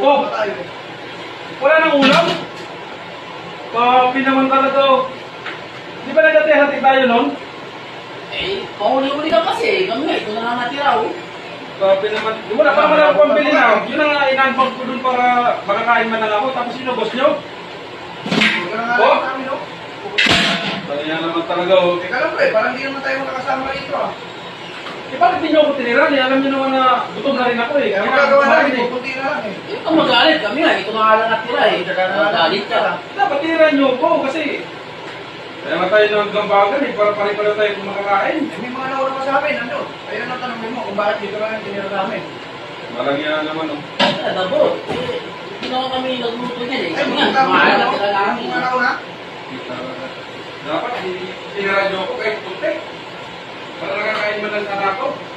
Oh, wala nang ulam? Papi naman talaga oh. Di ba nagkatihatik tayo nun? Eh, pauli-uli ka kasi. Kami nga, ito na nga natira oh. Papi naman. Di wala pa naman ako pambili na. Yun ang inanbag ko dun para makakain man lang ako. Tapos sinubos nyo? Oh? Kaya naman talaga oh. Teka lang pre, parang hindi naman tayo makakasama rito ah. Eh bakit di nyo ako tinira? Alam nyo naman na gutom na rin ako eh. Kaya magagawa natin, pupunti na lang eh. Eh, kung magalit kami nga, ito na nga lang natira eh. Magalit ka. Dapat tinira nyo ko kasi kaya nga tayo ng gambagan eh. Para pare-pare tayo kung makakain. Eh, may mga nauna pa sa amin, ano? Ayun ang tanongin mo kung bakit dito lang yung tinira namin. Malagyan naman oh. Dabo, eh, hindi naman kami nagluto niyan eh. Ay, Kami nga, mga mahal na tira namin. mga nauna? Dapat tinira nyo ko kahit puti. Para nakakain man lang sana ako.